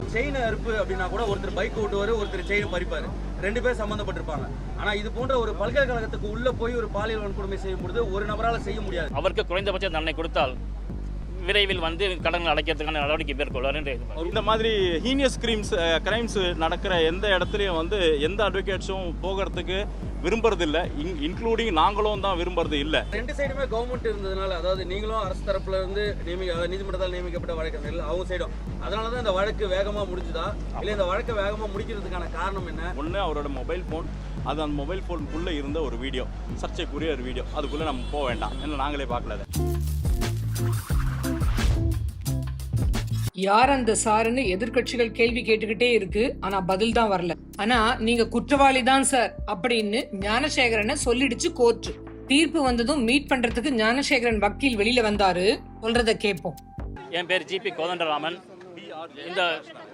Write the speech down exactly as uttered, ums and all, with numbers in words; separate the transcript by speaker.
Speaker 1: Chain அறுப்பு அப்படின்னா கூட ஒருத்தர் பைக் ஓட்டுவாரு, ஒருத்தர் செயின் பறிப்பாரு, ரெண்டு பேர் சம்பந்தப்பட்டிருப்பாங்க. ஆனா இது போன்ற ஒரு பல்கலைக்கழகத்துக்கு உள்ள போய் ஒரு பாலியல் வன்கொடுமை செய்யும் பொழுது ஒரு நபரால செய்ய முடியாது.
Speaker 2: அவருக்கு குறைந்தபட்ச தண்டனை கொடுத்தால் விரைவில் வந்து கடன்கள் அடைக்கிறதுக்கான நடவடிக்கை மேற்கொள்வார் என்று
Speaker 3: இந்த மாதிரி ஹீனியஸ் கிரைம்ஸ் கிரைம்ஸ் நடக்கிற எந்த இடத்துலையும் வந்து எந்த அட்வொகேட்ஸும் போகிறதுக்கு விரும்புறதில்லை, இன்க்ளூடிங் நாங்களும் தான் விரும்புறது இல்லை.
Speaker 1: ரெண்டு சைடுமே கவர்மெண்ட் இருந்ததுனால, அதாவது நீங்களும் அரசு தரப்புல இருந்து நியமிக்க நீதிமன்றத்தால் நியமிக்கப்பட்ட வழக்கறிஞர்கள் அவங்க சைடும், அதனால தான் இந்த வழக்கு வேகமாக முடிஞ்சுதா இல்லை இந்த வழக்கை வேகமாக முடிக்கிறதுக்கான காரணம் என்ன?
Speaker 3: ஒன்று அவரோட மொபைல் ஃபோன், அது அந்த மொபைல் ஃபோனுக்குள்ளே இருந்த ஒரு வீடியோ, சர்ச்சைக்குரிய ஒரு வீடியோ, அதுக்குள்ளே நம்ம போக வேண்டாம், ஏன்னா நாங்களே பார்க்கல.
Speaker 4: யார் அந்த சாருன்னு எதிர்கட்சிகள் கேள்வி கேட்டுக்கிட்டே இருக்கு, ஆனா பதில் தான் வரல. ஆனா நீங்க குற்றவாளி தான் சார் அப்படின்னு ஞானசேகரனை சொல்லிடுச்சு கோர்ட். தீர்ப்பு வந்ததும் மீட் பண்றதுக்கு ஞானசேகரன் வக்கீல் வெளியில வந்தாரு, சொல்றத கேட்போம்.
Speaker 2: என் பேர் ஜிபி கோதண்டராமன். இந்த